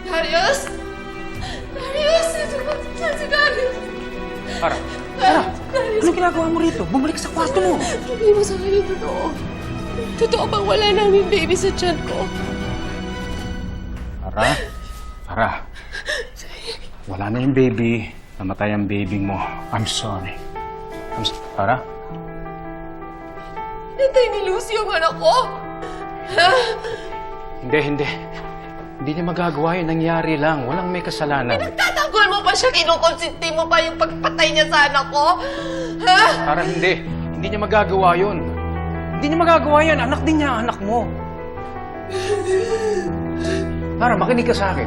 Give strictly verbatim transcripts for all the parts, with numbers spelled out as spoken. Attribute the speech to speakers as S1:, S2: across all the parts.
S1: Darius! Darius! Saan si Darius?
S2: Tara, Tara! Anong ginagawa mo rito? Bumalik sa kwarto mo!
S1: Sabi mo sa akin yung totoo. Totoo bang wala namin baby sa tiyan ko?
S2: Tara, Tara. Wala na yung baby. Namatay ang baby mo. I'm sorry. I'm sorry. Tara?
S1: Pinatay ni Lucy yung anak ko? Ha?
S2: Hindi, hindi. Hindi niya magagawa yun. Nangyari lang. Walang may kasalanan.
S1: Pinagtatanggol mo pa siya, kinukonsinti mo pa yung pagpatay niya sa anak ko? Ha?
S2: Tara, hindi. Hindi niya magagawa yun. Hindi niya magagawa yan. Anak din niya, anak mo. Tara, makinig ka sa akin.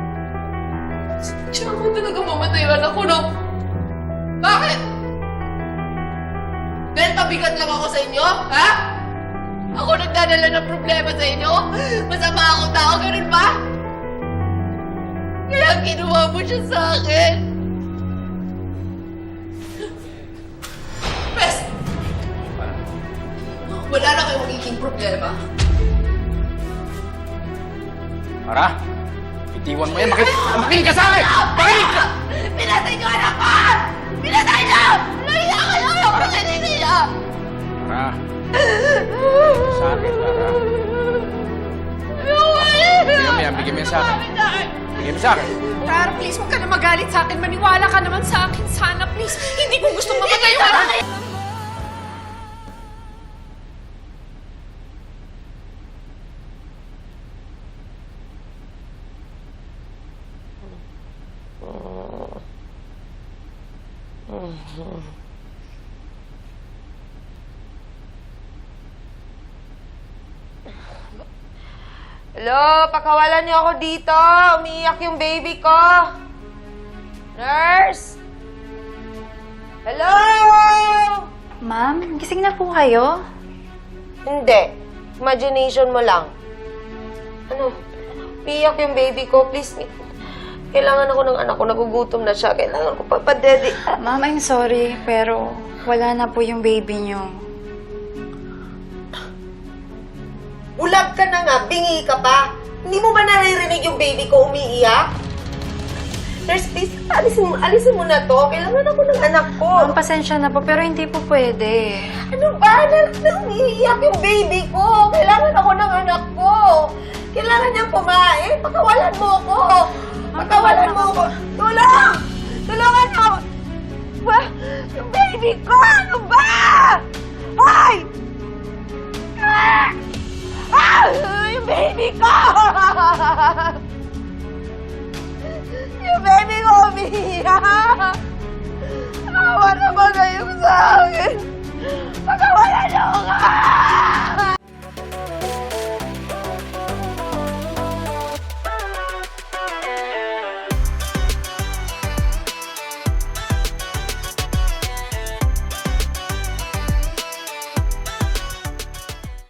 S1: Siya mo talaga mamatay yung anak ko, no? Bakit? Dahil pabigat lang ako sa inyo, ha? Ako nagdadala ng problema sa inyo? Masama akong tao, ganun ba? Kaya ginawa mo siya sa akin. Pes! Wala na kayong magiging problema.
S2: Tara, itiwan mo yan. Makinig, makinig ka sa akin! Makinig ka!
S1: Pinatay niyo anak ko! Pinatay niyo! Nahiya kayo! Ayaw ko sa niya!
S2: Tara. Sa akin, Tara. Bigyan mo yan, bigyan mo yan sa akin. Bigyan mo sa akin.
S1: Tara, please, huwag ka na magalit sa akin. Maniwala ka naman sa akin. Sana, please. Hindi ko gusto mamatay yung anak ko.
S3: Hello, pakawalan niyo ako dito. Umiiyak yung baby ko. Nurse? Hello?
S4: Ma'am, gising na po kayo?
S3: Hindi. Imagination mo lang. Ano? Umiiyak yung baby ko. Please, kailangan ako ng anak ko. Nagugutom na siya. Kailangan ko papadedi.
S4: Ma'am, I'm sorry, pero wala na po yung baby niyo.
S3: Ulag ka na nga. Bingi ka pa. Hindi mo ba naririnig yung baby ko umiiyak? Nurse, please, alisin mo, alisin mo na to. Kailangan ako ng anak ko.
S4: Ma'am, pasensya na po, pero hindi po pwede.
S3: Ano ba? Na, na umiiyak yung baby ko. Kailangan ako ng anak ko. Kailangan niyang kumain. Pakawalan mo ako. Pakawalan mo ako. Tulong! Tulungan niyo ako. Ba? Yung baby ko! Ano ba? Ay! Ah! Ah! Yung baby ko! Yung baby ko umiiyak! Awa na ba kayo sa